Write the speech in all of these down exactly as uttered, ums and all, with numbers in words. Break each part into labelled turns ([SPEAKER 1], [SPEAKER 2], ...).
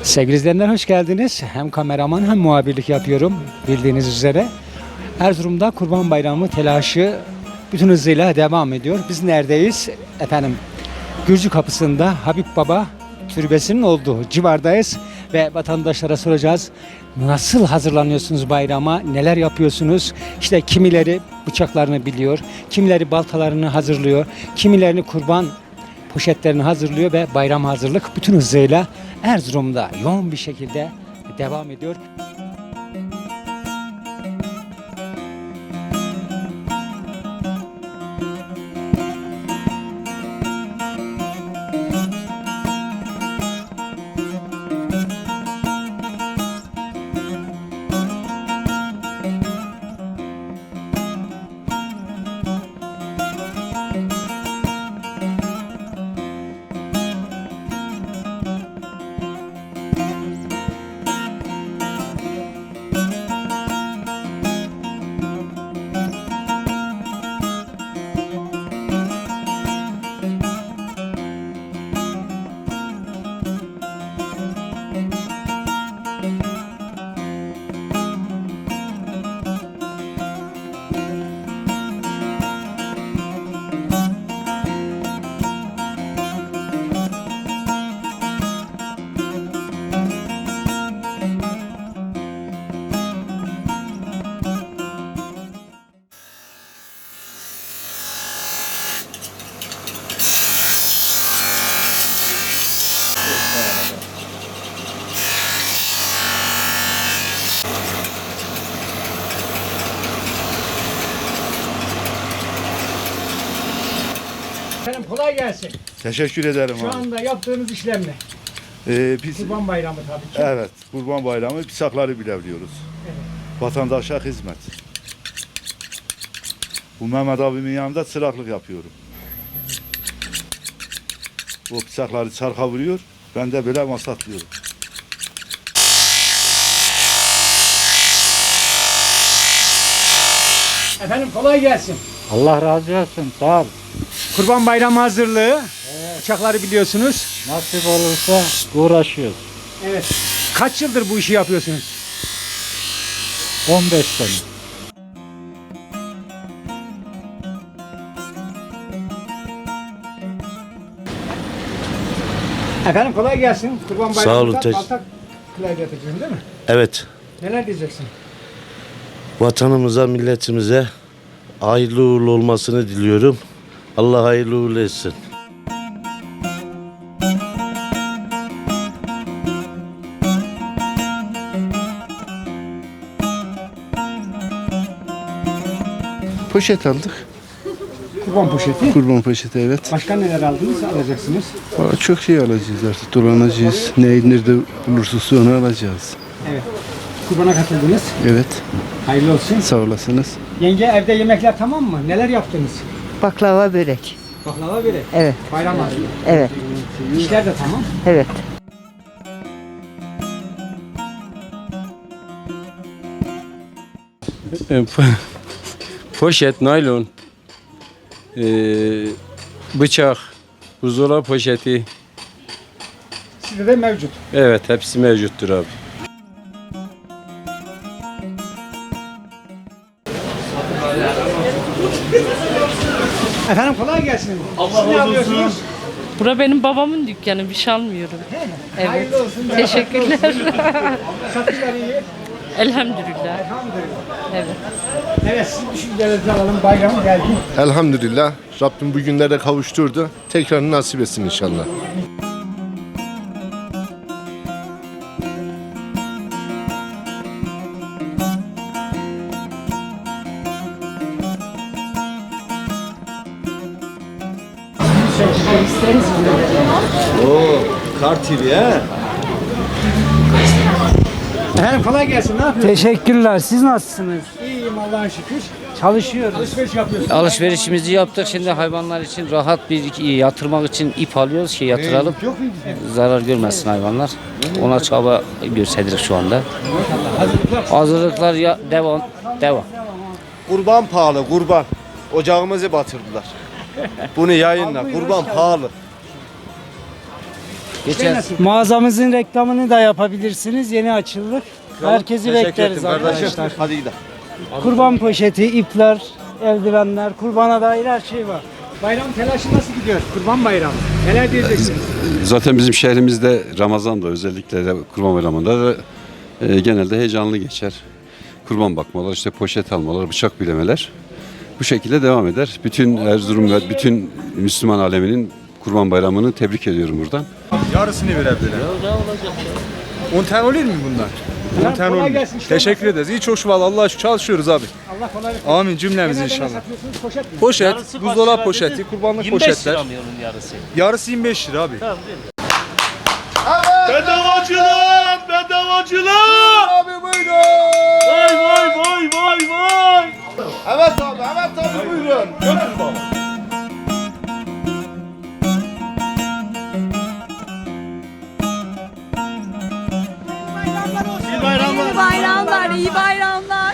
[SPEAKER 1] Sevgili izleyenler hoş geldiniz. Hem kameraman hem muhabirlik yapıyorum bildiğiniz üzere. Erzurum'da Kurban Bayramı telaşı bütün hızıyla devam ediyor. Biz neredeyiz? Efendim Gürcü Kapısı'nda Habib Baba türbesinin olduğu civardayız ve vatandaşlara soracağız. Nasıl hazırlanıyorsunuz bayrama? Neler yapıyorsunuz? İşte kimileri bıçaklarını biliyor, kimileri baltalarını hazırlıyor, kimilerini kurban poşetlerini hazırlıyor ve bayram hazırlık bütün hızıyla Erzurum'da yoğun bir şekilde devam ediyor. Efendim kolay gelsin.
[SPEAKER 2] Teşekkür ederim
[SPEAKER 1] Şu
[SPEAKER 2] abi.
[SPEAKER 1] anda yaptığınız işlem ne?
[SPEAKER 2] Ee, biz,
[SPEAKER 1] Kurban Bayramı tabii ki.
[SPEAKER 2] evet, Kurban Bayramı bıçakları bilebiliyoruz.
[SPEAKER 1] Evet.
[SPEAKER 2] Vatandaşa hizmet. Bu Mehmet abimin yanında çıraklık yapıyorum. O bıçakları çarka vuruyor, ben de böyle masatlıyorum.
[SPEAKER 1] Efendim kolay gelsin.
[SPEAKER 3] Allah razı olsun. Sağ ol.
[SPEAKER 1] Kurban Bayramı hazırlığı. Bıçakları biliyorsunuz.
[SPEAKER 3] Nasip olursa uğraşıyoruz.
[SPEAKER 1] Evet. Kaç yıldır bu işi yapıyorsunuz?
[SPEAKER 3] on beş sene.
[SPEAKER 1] Efendim kolay gelsin. Kurban
[SPEAKER 4] Sağ
[SPEAKER 1] Bayramı'nda
[SPEAKER 4] olun, teş-
[SPEAKER 1] balta klavye yapacaksın değil mi?
[SPEAKER 4] Evet,
[SPEAKER 1] Neler diyeceksin?
[SPEAKER 4] vatanımıza, milletimize hayırlı uğurlu olmasını diliyorum. Allah hayırlı uğurlu etsin.
[SPEAKER 5] Poşet aldık.
[SPEAKER 1] Kurban poşeti.
[SPEAKER 5] Kurban poşeti, evet.
[SPEAKER 1] Başka neler aldınız, alacaksınız?
[SPEAKER 5] Aa, çok şey alacağız artık. Dolanacağız. Ne, nerede bulursa onu alacağız.
[SPEAKER 1] Evet. Kurbana katıldınız.
[SPEAKER 5] Evet.
[SPEAKER 1] Hayırlı olsun.
[SPEAKER 5] Sağ olasınız.
[SPEAKER 1] Yenge evde yemekler tamam mı? Neler yaptınız?
[SPEAKER 6] Baklava, börek.
[SPEAKER 1] Baklava börek.
[SPEAKER 6] Evet,
[SPEAKER 1] Bayram hazırlığı.
[SPEAKER 6] evet,
[SPEAKER 1] İşler de tamam.
[SPEAKER 6] evet.
[SPEAKER 7] Poşet, naylon, ee, bıçak, buzdolabı poşeti,
[SPEAKER 1] Sizde de mevcut.
[SPEAKER 7] evet hepsi mevcuttur abi.
[SPEAKER 1] Efendim kolay gelsin. Siz ne yapıyorsunuz?
[SPEAKER 8] Bura benim babamın dükkanı, bir şey almıyorum. Evet.
[SPEAKER 1] Hayırlı olsun.
[SPEAKER 8] Teşekkürler.
[SPEAKER 1] Satışlar iyi.
[SPEAKER 8] Elhamdülillah.
[SPEAKER 1] Elhamdülillah.
[SPEAKER 8] Evet.
[SPEAKER 1] Evet sizin düşüncelerinizi alalım. Bayram geldi.
[SPEAKER 9] Elhamdülillah Rabbim bu günlere kavuşturdu. Tekrar nasip etsin inşallah.
[SPEAKER 1] Efendim kolay gelsin. Ne yapıyorsunuz?
[SPEAKER 3] Teşekkürler. Siz nasılsınız?
[SPEAKER 1] İyiyim Allah'a şükür.
[SPEAKER 3] Çalışıyoruz.
[SPEAKER 1] Alışveriş yapıyorsunuz.
[SPEAKER 10] Alışverişimizi yaptık. Şimdi hayvanlar için rahat bir yatırmak için ip alıyoruz ki yatıralım. Zarar görmesin hayvanlar. Ona çaba gösteriyoruz şu anda. Hazırlıklar ya devam devam.
[SPEAKER 11] Kurban pahalı, kurban. Ocağımızı batırdılar. Bunu yayınla. Kurban pahalı.
[SPEAKER 10] Geçen
[SPEAKER 3] Mağazamızın reklamını da yapabilirsiniz. Yeni açıldık. Herkesi bekleriz arkadaşlar.
[SPEAKER 11] Hadi gidelim.
[SPEAKER 3] Kurban poşeti, ipler, eldivenler, kurbana dair her şey var.
[SPEAKER 1] Bayram telaşı nasıl gidiyor? Kurban bayramı. Neler diyeceksiniz?
[SPEAKER 7] Zaten bizim şehrimizde Ramazan'da özellikle de Kurban Bayramı'nda da, e, genelde heyecanlı geçer. Kurban bakmalar, işte poşet almalar, bıçak bilemeler bu şekilde devam eder. Bütün Erzurum ve bütün Müslüman aleminin Kurban Bayramı'nı tebrik ediyorum buradan.
[SPEAKER 11] Yarısını verebilirim. on tane olur mu bunlar? on tane
[SPEAKER 1] kolay
[SPEAKER 11] olur.
[SPEAKER 1] gelsin, işte
[SPEAKER 11] Teşekkür ederiz. İyi çok vallahi Allah'a şükür çalışıyoruz abi.
[SPEAKER 1] Allah kolaylık versin.
[SPEAKER 11] Amin cümlemiz
[SPEAKER 1] Genelde ne
[SPEAKER 11] inşallah.
[SPEAKER 1] satıyorsunuz? Poşet mi?
[SPEAKER 11] Poşet, buzdolabı poşeti, kurbanlık poşetler.
[SPEAKER 10] yarısı.
[SPEAKER 11] Yarısı yirmi beş lira abi.
[SPEAKER 2] Bedavacılık! Bedavacılık!
[SPEAKER 11] Abi buyurun.
[SPEAKER 2] Vay vay vay vay vay!
[SPEAKER 11] Evet abi, evet abi buyurun. Götür baba.
[SPEAKER 2] İyi bayramlar.
[SPEAKER 8] İyi bayramlar, iyi bayramlar.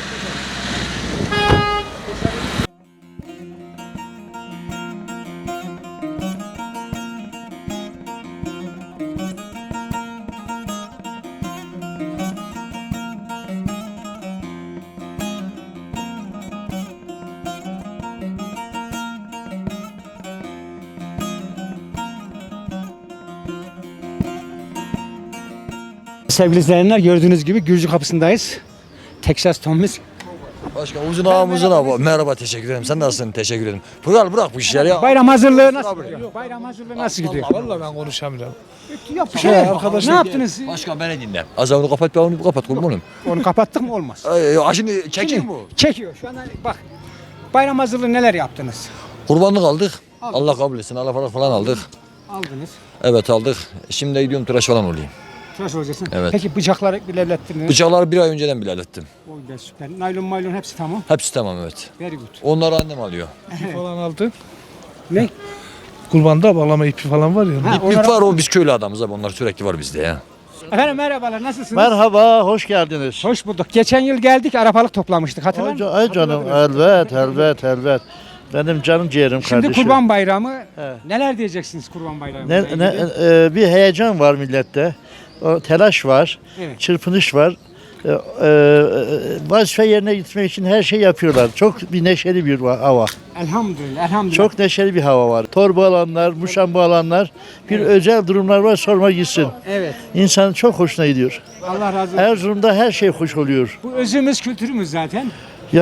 [SPEAKER 1] Sevgili izleyenler, gördüğünüz gibi Gürcü kapısındayız. Texas Tom'umuz.
[SPEAKER 12] Başkan uzun ağam uzun ağam. Merhaba, teşekkür ederim. Sen nasılsın? Teşekkür ederim. Pıral bırak bu işleri ya.
[SPEAKER 1] Bayram hazırlığı nasıl gidiyor? Bayram hazırlığı nasıl gidiyor?
[SPEAKER 12] Vallahi ben konuşamıyorum.
[SPEAKER 1] Yok bir şey yok. Ne yaptınız?
[SPEAKER 12] Başkan beni dinle. Az onu kapat, ben onu kapat kurbanım.
[SPEAKER 1] Onu kapattık mı olmaz.
[SPEAKER 12] Ay, şimdi çekiyor mu?
[SPEAKER 1] Çekiyor. Şu anda bak. Bayram hazırlığı neler yaptınız?
[SPEAKER 12] Kurbanlık aldık. Allah kabul etsin. Allah falan falan aldık.
[SPEAKER 1] Aldınız.
[SPEAKER 12] Evet aldık. Şimdi gidiyorum tıraş falan olayım.
[SPEAKER 1] Tıraş olacaksın.
[SPEAKER 12] Evet.
[SPEAKER 1] Peki bıçakları bile hallettiniz.
[SPEAKER 12] Bıçakları bir ay önceden bile hallettim.
[SPEAKER 1] O da süper. Naylon maylon hepsi tamam.
[SPEAKER 12] Hepsi tamam evet.
[SPEAKER 1] Very good.
[SPEAKER 12] Onları annem alıyor.
[SPEAKER 3] Falan aldık.
[SPEAKER 1] Ne?
[SPEAKER 3] Kurbanda bağlama ipi falan var ya.
[SPEAKER 1] Ha,
[SPEAKER 12] İp
[SPEAKER 1] onlara-
[SPEAKER 12] var o biz köylü adamız abi. Onlar sürekli var bizde ya.
[SPEAKER 1] Efendim merhabalar, nasılsınız?
[SPEAKER 5] Merhaba, hoş geldiniz.
[SPEAKER 1] Hoş bulduk. Geçen yıl geldik, arabalık toplamıştık. Hatırlar mısın?
[SPEAKER 5] Ay canım, elbet, elbet, elbet. Benim canım ciğerim
[SPEAKER 1] Şimdi
[SPEAKER 5] kardeşim.
[SPEAKER 1] Kurban Bayramı.
[SPEAKER 5] Evet.
[SPEAKER 1] Neler diyeceksiniz Kurban Bayramı?
[SPEAKER 5] Ne, ne, e, bir heyecan var millette. O telaş var,
[SPEAKER 1] Evet.
[SPEAKER 5] çırpınış var. E, e, vazife yerine gitmek için her şey yapıyorlar. Çok bir neşeli bir va- hava.
[SPEAKER 1] Elhamdülillah, elhamdülillah.
[SPEAKER 5] Çok neşeli bir hava var. Torba alanlar, muşamba alanlar, bir özel durumlar var, sorma gitsin.
[SPEAKER 1] Evet.
[SPEAKER 5] İnsanın çok hoşuna gidiyor.
[SPEAKER 1] Allah razı olsun.
[SPEAKER 5] Erzurum'da her şey hoş oluyor.
[SPEAKER 1] Bu özümüz, kültürümüz zaten.
[SPEAKER 5] Ya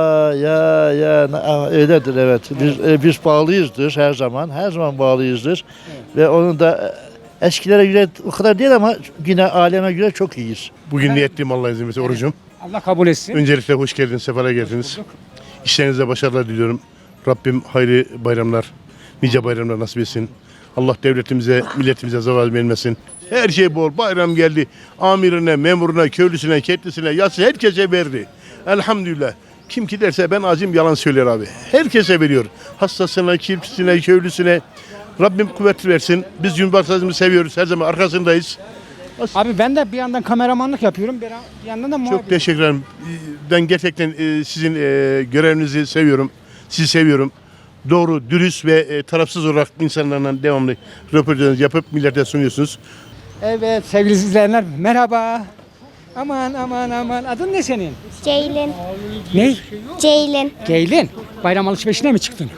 [SPEAKER 5] ya ya na- öyledir evet. Biz e, biz bağlıyızdır her zaman. Her zaman bağlıyızdır. Ve onun da e, eskilere göre o kadar değil ama yine aleme göre çok iyiyiz.
[SPEAKER 9] Bugün niyetliyim Allah izin verirse orucum.
[SPEAKER 1] Allah kabul etsin.
[SPEAKER 9] Öncelikle hoş geldiniz, sefalar geldiniz. İşlerinize başarılar diliyorum. Rabbim hayırlı bayramlar, nice bayramlar nasip etsin. Allah devletimize, milletimize zarar vermesin. Her şey bol. Bayram geldi. Amirine, memuruna, köylüsüne, ketlisine, yası herkese verdi. Elhamdülillah. Kim ki derse ben acım yalan söyler abi. Herkese veriyor. Hastasına, kirpisine, köylüsüne. Rabbim kuvvet versin. Biz Cumhurbaşkanımızı seviyoruz. Her zaman arkasındayız.
[SPEAKER 1] Abi ben de bir yandan kameramanlık yapıyorum. Bir yandan da muhabir.
[SPEAKER 9] Çok teşekkür ederim. Ben gerçekten e, sizin e, görevinizi seviyorum. Sizi seviyorum. Doğru, dürüst ve e, tarafsız olarak insanlarla devamlı röportaj yapıp millete sunuyorsunuz.
[SPEAKER 1] Evet sevgili izleyenler merhaba. Aman aman aman. Adın ne senin?
[SPEAKER 8] Ceylin,
[SPEAKER 1] Ne?
[SPEAKER 8] Ceylin.
[SPEAKER 1] Geylin. Bayram alışverişine mi çıktın?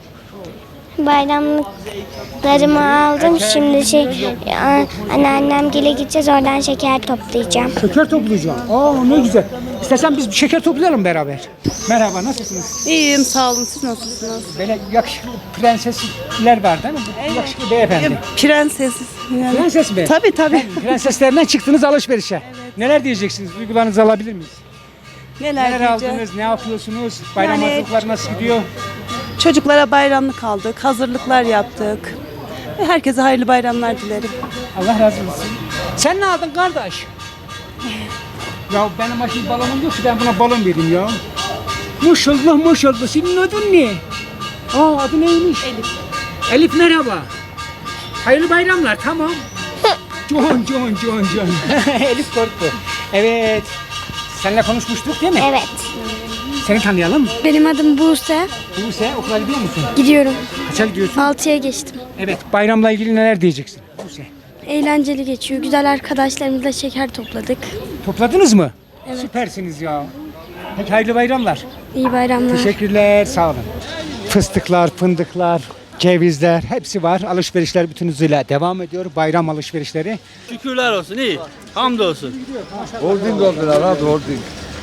[SPEAKER 8] Bayramlıklarımı aldım. Şimdi şey a- anneannem gele gideceğiz. Oradan şeker toplayacağım.
[SPEAKER 1] Şeker toplayacağım. Aa ne güzel. İstersen biz bir şeker toplayalım beraber. Merhaba, nasılsınız?
[SPEAKER 8] İyiyim, sağ olun. Siz nasılsınız?
[SPEAKER 1] Böyle yakışıklı prensesler var değil mi? Bu yakışıklı beyefendi.
[SPEAKER 8] Prensesiz. Yani.
[SPEAKER 1] Prenses mi?
[SPEAKER 8] Tabii tabii.
[SPEAKER 1] Prenseslerden çıktınız alışverişe. Neler diyeceksiniz? Duygularınızı alabilir miyiz?
[SPEAKER 8] Neler,
[SPEAKER 1] Neler aldınız? Ne yapıyorsunuz? Bayram
[SPEAKER 8] Yani-
[SPEAKER 1] hazırlıkları nasıl gidiyor?
[SPEAKER 8] Çocuklara bayramlık aldık. Hazırlıklar yaptık. Herkese hayırlı bayramlar dilerim.
[SPEAKER 1] Allah razı olsun. Sen ne aldın kardeş? Ya benim başım balonum yok ki ben buna balon verdim ya. Maşallah maşallah. Senin adın ne? Aa adı neymiş? Elif. Elif merhaba. Hayırlı bayramlar tamam. John John John John. Elif korktu. Evet. Seninle konuşmuştuk değil mi?
[SPEAKER 8] Evet.
[SPEAKER 1] Seni tanıyalım.
[SPEAKER 8] Benim adım Buse.
[SPEAKER 1] Buse okula gidiyor musun?
[SPEAKER 8] Gidiyorum.
[SPEAKER 1] Kaça gidiyorsun?
[SPEAKER 8] altıya geçtim.
[SPEAKER 1] Evet bayramla ilgili neler diyeceksin? Buse.
[SPEAKER 8] Eğlenceli geçiyor. Güzel arkadaşlarımızla şeker topladık.
[SPEAKER 1] Topladınız mı?
[SPEAKER 8] Evet.
[SPEAKER 1] Süpersiniz ya. Peki hayırlı bayramlar.
[SPEAKER 8] İyi bayramlar.
[SPEAKER 1] Teşekkürler, sağ olun. Fıstıklar, fındıklar, cevizler hepsi var. Alışverişler bütün hızıyla devam ediyor. Bayram alışverişleri.
[SPEAKER 10] Şükürler olsun iyi. Hamdolsun.
[SPEAKER 11] Holding oldular abi holding.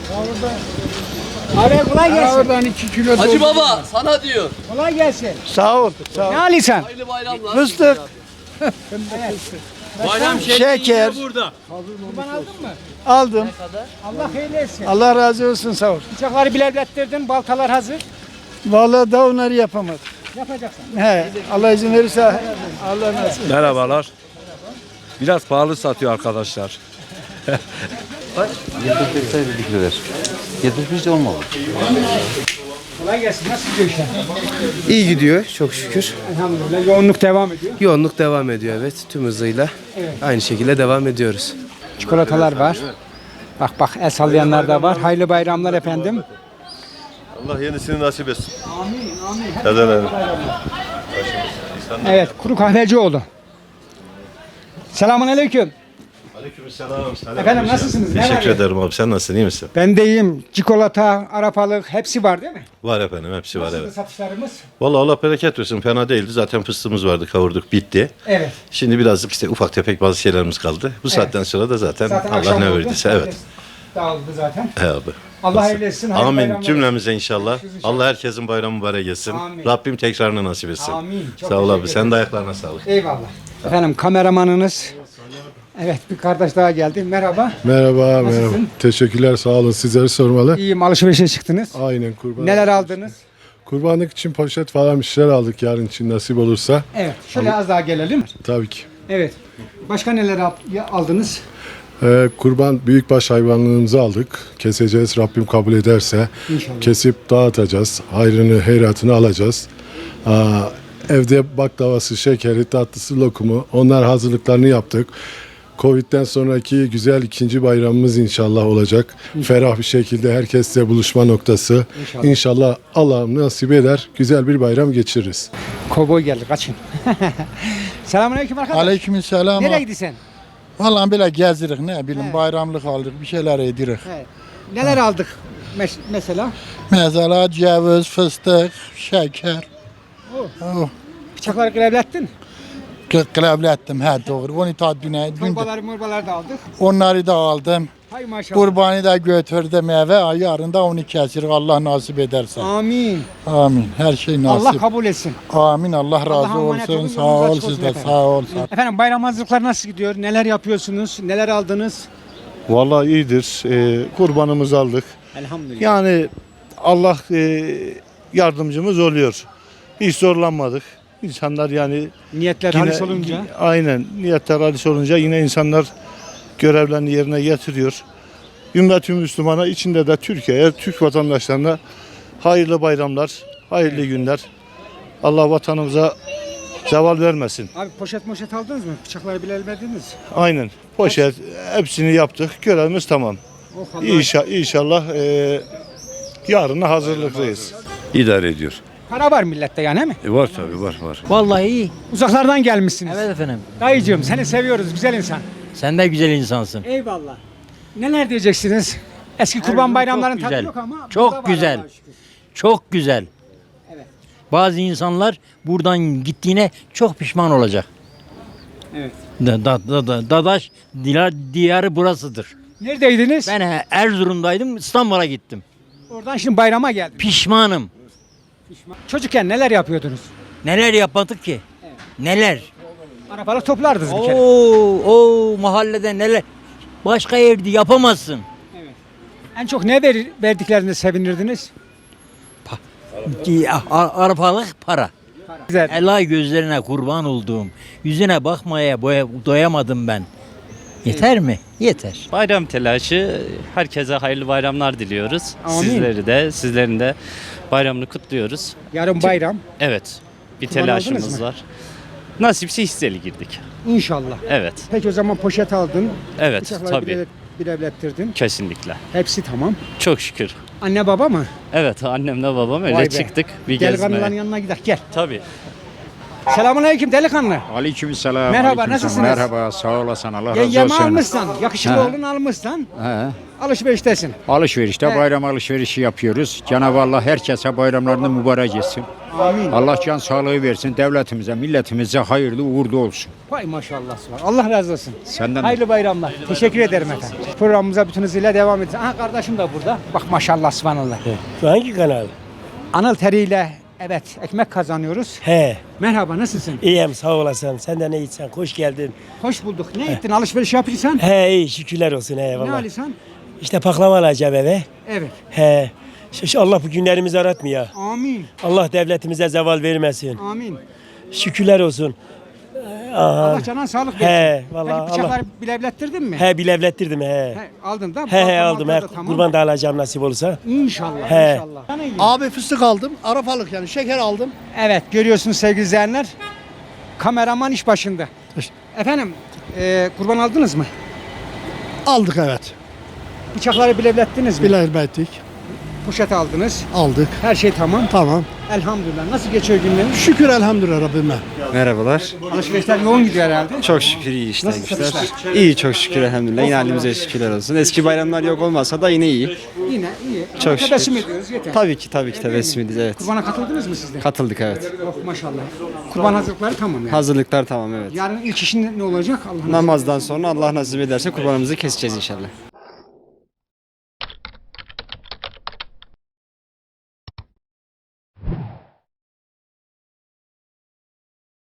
[SPEAKER 1] Abi kolay gelsin.
[SPEAKER 11] Oradan iki kilo
[SPEAKER 10] Hacı baba sana diyor.
[SPEAKER 1] Kolay gelsin.
[SPEAKER 5] Sağ ol. Sağ ol.
[SPEAKER 1] Ne alırsan?
[SPEAKER 10] Hayırlı bayramlar.
[SPEAKER 5] Fıstık,
[SPEAKER 10] Bayram
[SPEAKER 5] şeker.
[SPEAKER 10] burada.
[SPEAKER 1] Kurban aldın mı?
[SPEAKER 5] aldım.
[SPEAKER 1] Allah hayırlı etsin.
[SPEAKER 5] Allah razı olsun sağ ol.
[SPEAKER 1] Bıçakları bilevlettirdin, baltalar hazır.
[SPEAKER 5] Vallahi da onları yapamadım.
[SPEAKER 1] Yapacaksın.
[SPEAKER 5] He, Allah izin verirse Allah nasip.
[SPEAKER 11] Merhabalar. Biraz pahalı satıyor arkadaşlar.
[SPEAKER 7] yetmiş beş birlikteler. yetmiş beş de olmalı.
[SPEAKER 1] Kolay gelsin. Nasıl gidiyor işler?
[SPEAKER 13] İyi gidiyor çok şükür.
[SPEAKER 1] Elhamdülillah. Yoğunluk devam ediyor.
[SPEAKER 13] Yoğunluk devam ediyor evet tüm hızıyla.
[SPEAKER 1] Evet.
[SPEAKER 13] Aynı şekilde devam ediyoruz.
[SPEAKER 1] Çikolatalar var. Bak bak el sallayanlar da var. Hayırlı bayramlar efendim.
[SPEAKER 2] Allah yenisini nasip etsin.
[SPEAKER 1] Amin amin.
[SPEAKER 2] Neden öyle?
[SPEAKER 1] Evet, Kuru Kahvecioğlu. Selamun aleyküm.
[SPEAKER 2] Aleykümselam.
[SPEAKER 1] Efendim nasılsınız? Ne var
[SPEAKER 2] Teşekkür
[SPEAKER 1] ya?
[SPEAKER 2] ederim abi. Sen nasılsın? İyi misin?
[SPEAKER 1] Ben de iyiyim. Çikolata, arapalık hepsi var değil mi?
[SPEAKER 2] Var efendim. Hepsi var
[SPEAKER 1] Nasıldı
[SPEAKER 2] evet.
[SPEAKER 1] satışlarımız?
[SPEAKER 2] Vallahi Allah bereket versin. Fena değildi. Zaten fıstığımız vardı. Kavurduk. Bitti.
[SPEAKER 1] Evet.
[SPEAKER 2] Şimdi birazcık işte ufak tefek bazı şeylerimiz kaldı. Bu saatten sonra da zaten,
[SPEAKER 1] Zaten
[SPEAKER 2] Allah
[SPEAKER 1] akşam
[SPEAKER 2] ne
[SPEAKER 1] oldu.
[SPEAKER 2] verdiyse evet.
[SPEAKER 1] Herkes dağıldı zaten.
[SPEAKER 2] He abi.
[SPEAKER 1] Allah hayırlı etsin. hayırlı
[SPEAKER 2] Amin.
[SPEAKER 1] bayramlar
[SPEAKER 2] Cümlemize inşallah.
[SPEAKER 1] Görüşürüz inşallah.
[SPEAKER 2] Allah herkesin bayramı mübarek etsin.
[SPEAKER 1] Amin.
[SPEAKER 2] Rabbim tekrarını nasip etsin.
[SPEAKER 1] Amin. Çok
[SPEAKER 2] Sağ ol abi.
[SPEAKER 1] teşekkür
[SPEAKER 2] Sen de
[SPEAKER 1] ederiz.
[SPEAKER 2] ayaklarına sağlık.
[SPEAKER 1] Eyvallah. Efendim kameramanınız. Evet bir kardeş daha geldi. Merhaba.
[SPEAKER 9] Merhaba,
[SPEAKER 1] Nasılsın?
[SPEAKER 9] merhaba. Teşekkürler, sağ olun. Sizleri sormalı.
[SPEAKER 1] İyiyim alışverişe çıktınız.
[SPEAKER 9] Aynen kurban.
[SPEAKER 1] Neler aldınız?
[SPEAKER 9] Kurbanlık için poşet falan bir şeyler aldık yarın için nasip olursa.
[SPEAKER 1] Evet. Şöyle az daha gelelim.
[SPEAKER 9] Tabii ki.
[SPEAKER 1] Evet. Başka neler al- ya- aldınız?
[SPEAKER 9] Ee, kurban büyükbaş hayvanlığımızı aldık. Keseceğiz Rabbim kabul ederse.
[SPEAKER 1] İnşallah.
[SPEAKER 9] Kesip dağıtacağız. Hayrını, heyratını alacağız. Aa, evde baklavası, şekeri, tatlısı, lokumu onlar hazırlıklarını yaptık. Covid'den sonraki güzel ikinci bayramımız inşallah olacak. Ferah bir şekilde herkesle buluşma noktası.
[SPEAKER 1] İnşallah.
[SPEAKER 9] İnşallah Allah'ım nasip eder. Güzel bir bayram geçiririz.
[SPEAKER 1] Kovboy geldi kaçın. Selamünaleyküm arkadaş.
[SPEAKER 5] Aleykümselam.
[SPEAKER 1] Nereye gidiyorsun?
[SPEAKER 5] Vallahi böyle gezirik ne bileyim
[SPEAKER 1] Evet.
[SPEAKER 5] bayramlık aldık bir şeyler edirik.
[SPEAKER 1] Evet. Neler aldık mes- mesela?
[SPEAKER 5] Mesela ceviz, fıstık, şeker. Oh.
[SPEAKER 1] Bıçakları grevlettin.
[SPEAKER 5] Klavlettim he doğru. Onu tadbine.
[SPEAKER 1] Torbaları morbaları da aldık.
[SPEAKER 5] Onları da aldım.
[SPEAKER 1] Hay maşallah.
[SPEAKER 5] Kurbanı da götürdüm eve. Yarın da onu kesirik Allah nasip ederse.
[SPEAKER 1] Amin.
[SPEAKER 5] Amin. Her şey nasip.
[SPEAKER 1] Allah kabul etsin.
[SPEAKER 5] Amin. Allah razı
[SPEAKER 1] Allah'a emanet
[SPEAKER 5] olsun.
[SPEAKER 1] olun,
[SPEAKER 5] Sağ
[SPEAKER 1] yolunuz
[SPEAKER 5] ol
[SPEAKER 1] açık
[SPEAKER 5] siz
[SPEAKER 1] olsun
[SPEAKER 5] de.
[SPEAKER 1] efendim.
[SPEAKER 5] Sağ ol.
[SPEAKER 1] Efendim bayram hazırlıkları nasıl gidiyor? Neler yapıyorsunuz? Neler aldınız?
[SPEAKER 2] Vallahi iyidir. Ee, kurbanımızı aldık.
[SPEAKER 1] Elhamdülillah.
[SPEAKER 2] Yani Allah e, yardımcımız oluyor. Hiç zorlanmadık. İnsanlar yani
[SPEAKER 1] Niyetler
[SPEAKER 2] yine-
[SPEAKER 1] halis olunca.
[SPEAKER 2] aynen niyetler halis olunca yine insanlar görevlerini yerine getiriyor. Ümmet-i Müslümana içinde de Türkiye'ye, Türk vatandaşlarına hayırlı bayramlar, hayırlı günler. Allah vatanımıza zeval vermesin.
[SPEAKER 1] Abi poşet moşet aldınız mı? Bıçakları bile elmediniz.
[SPEAKER 2] Aynen. Poşet hepsini yaptık. Görevimiz tamam.
[SPEAKER 1] Oh Allah.
[SPEAKER 2] İnşallah, inşallah e, yarına hazırlıklıyız.
[SPEAKER 11] İdare ediyor.
[SPEAKER 1] Para var millette yani he mi?
[SPEAKER 11] E var tabii var var.
[SPEAKER 12] Vallahi iyi.
[SPEAKER 1] Uzaklardan gelmişsiniz.
[SPEAKER 12] Evet efendim.
[SPEAKER 1] Dayıcığım seni seviyoruz güzel insan.
[SPEAKER 12] Sen de güzel insansın.
[SPEAKER 1] Eyvallah. Neler diyeceksiniz? Eski kurban
[SPEAKER 12] Erzurum
[SPEAKER 1] bayramların
[SPEAKER 12] çok
[SPEAKER 1] tadı
[SPEAKER 12] güzel.
[SPEAKER 1] yok ama.
[SPEAKER 12] Çok
[SPEAKER 1] burada var
[SPEAKER 12] güzel.
[SPEAKER 1] Allah'a şükür.
[SPEAKER 12] Çok güzel.
[SPEAKER 1] Evet.
[SPEAKER 12] Bazı insanlar buradan gittiğine çok pişman olacak.
[SPEAKER 1] Evet.
[SPEAKER 12] Da, da, da, da, Dadaş diyar, diyarı burasıdır.
[SPEAKER 1] Neredeydiniz?
[SPEAKER 12] Ben he- Erzurum'daydım, İstanbul'a gittim.
[SPEAKER 1] Oradan şimdi bayrama geldim.
[SPEAKER 12] Pişmanım.
[SPEAKER 1] Çocukken neler yapıyordunuz?
[SPEAKER 12] Neler yapmadık ki? Neler?
[SPEAKER 1] Arabalık toplardınız bir kere.
[SPEAKER 12] Oo, o mahallede neler? Başka yerde yapamazsın.
[SPEAKER 1] En çok ne ver, verdiklerinde sevinirdiniz?
[SPEAKER 12] A- a- Arpalık para.
[SPEAKER 1] Güzel.
[SPEAKER 12] Elay gözlerine kurban olduğum. Yüzüne bakmaya boya, doyamadım ben. Yeter mi? Yeter.
[SPEAKER 10] Bayram telaşı, herkese hayırlı bayramlar diliyoruz.
[SPEAKER 1] Amin.
[SPEAKER 10] Sizleri de, sizlerin de bayramını kutluyoruz.
[SPEAKER 1] Yarın bayram.
[SPEAKER 10] Evet, bir
[SPEAKER 1] Kurban aldınız
[SPEAKER 10] telaşımız
[SPEAKER 1] mı?
[SPEAKER 10] var. Nasipse hisseli girdik.
[SPEAKER 1] İnşallah.
[SPEAKER 10] Evet,
[SPEAKER 1] Peki o zaman poşet aldın.
[SPEAKER 10] evet
[SPEAKER 1] Bıçakları
[SPEAKER 10] tabii.
[SPEAKER 1] bile, bilevlettirdin.
[SPEAKER 10] Kesinlikle.
[SPEAKER 1] Hepsi tamam.
[SPEAKER 10] Çok şükür.
[SPEAKER 1] Anne baba mı?
[SPEAKER 10] Evet, annemle babam öyle
[SPEAKER 1] Vay be.
[SPEAKER 10] çıktık bir
[SPEAKER 1] Gel
[SPEAKER 10] gezmeye.
[SPEAKER 1] kanıların yanına gidelim. Gel.
[SPEAKER 10] Tabii.
[SPEAKER 1] Selamünaleyküm delikanlı.
[SPEAKER 11] Aleykümselam.
[SPEAKER 1] Merhaba,
[SPEAKER 11] aleykümselam.
[SPEAKER 1] nasılsınız?
[SPEAKER 11] Merhaba, sağ olasın. Allah razı
[SPEAKER 1] Yengemi
[SPEAKER 11] olsun.
[SPEAKER 1] almışsan, yakışıklı
[SPEAKER 11] He.
[SPEAKER 1] oğlunu almışsan,
[SPEAKER 11] He.
[SPEAKER 1] alışveriştesin.
[SPEAKER 11] Alışverişte
[SPEAKER 1] He.
[SPEAKER 11] bayram alışverişi yapıyoruz. Cenab-ı Allah herkese bayramlarını mübarek etsin.
[SPEAKER 1] Amin.
[SPEAKER 11] Allah can sağlığı versin. Devletimize, milletimize hayırlı uğurlu olsun.
[SPEAKER 1] Vay maşallah var. Allah razı olsun.
[SPEAKER 11] Senden de.
[SPEAKER 1] Hayırlı bayramlar. Teşekkür ederim efendim. Programımıza bütün hızıyla devam edeceğiz. Aha kardeşim de burada. Bak maşallah subhanallah.
[SPEAKER 3] Hangi kanal?
[SPEAKER 1] Anıl teriyle evet ekmek kazanıyoruz.
[SPEAKER 3] He.
[SPEAKER 1] Merhaba nasılsın?
[SPEAKER 3] İyiyim sağ olasın. Sen de ne içsen hoş geldin.
[SPEAKER 1] Hoş bulduk. Ne ettin? Alışveriş yapıyorsan?
[SPEAKER 3] He iyi şükürler olsun he
[SPEAKER 1] Ne
[SPEAKER 3] vallahi.
[SPEAKER 1] alıyorsan?
[SPEAKER 3] İşte baklava alacağım eve.
[SPEAKER 1] Evet.
[SPEAKER 3] He. Şu- şu Allah bu günlerimizi aratmıyor.
[SPEAKER 1] Amin.
[SPEAKER 3] Allah devletimize zeval vermesin.
[SPEAKER 1] Amin.
[SPEAKER 3] Şükürler olsun. Aha.
[SPEAKER 1] Allah canına sağlık versin.
[SPEAKER 3] He vallahi
[SPEAKER 1] Peki bıçakları
[SPEAKER 3] Allah.
[SPEAKER 1] bilevlettirdin mi?
[SPEAKER 3] He bilevlettirdim he.
[SPEAKER 1] He, aldın da.
[SPEAKER 3] He he
[SPEAKER 1] balkon
[SPEAKER 3] aldım. He,
[SPEAKER 1] altında da tamam.
[SPEAKER 3] kurban da alacağım nasip olursa.
[SPEAKER 1] İnşallah.
[SPEAKER 3] He.
[SPEAKER 1] İnşallah. Sana iyi.
[SPEAKER 5] Abi fıstık aldım. Arafalık yani şeker aldım.
[SPEAKER 1] Evet görüyorsunuz sevgili izleyenler. Kameraman iş başında. Efendim e, kurban aldınız mı?
[SPEAKER 5] Aldık evet.
[SPEAKER 1] Bıçakları bilevlettiniz mi?
[SPEAKER 5] Bilelbettik.
[SPEAKER 1] Poşet aldınız.
[SPEAKER 5] Aldık.
[SPEAKER 1] Her şey tamam.
[SPEAKER 5] Tamam.
[SPEAKER 1] Elhamdülillah. Nasıl geçiyor günleriniz?
[SPEAKER 5] Şükür elhamdülillah Rabbime.
[SPEAKER 13] Merhabalar.
[SPEAKER 1] Alışverişler yoğun gidiyor herhalde.
[SPEAKER 13] Çok şükür iyi işler
[SPEAKER 1] Nasıl
[SPEAKER 13] güçler.
[SPEAKER 1] satışlar?
[SPEAKER 13] İyi çok şükür elhamdülillah. Yine halimize şükürler olsun. Eski bayramlar yok olmasa da yine iyi.
[SPEAKER 1] Yine iyi.
[SPEAKER 13] Çok
[SPEAKER 1] Tebessüm
[SPEAKER 13] şükür.
[SPEAKER 1] ediyoruz yeter.
[SPEAKER 13] Tabii ki tabii ki tebessüm ediyoruz evet.
[SPEAKER 1] Kurbana katıldınız mı siz de?
[SPEAKER 13] Katıldık evet.
[SPEAKER 1] Oh maşallah. Kurban hazırlıkları tamam yani.
[SPEAKER 13] Hazırlıklar tamam evet.
[SPEAKER 1] Yarın ilk işin ne olacak? Allah'ın
[SPEAKER 13] Namazdan sonra Allah nasip ederse kurbanımızı keseceğiz inşallah.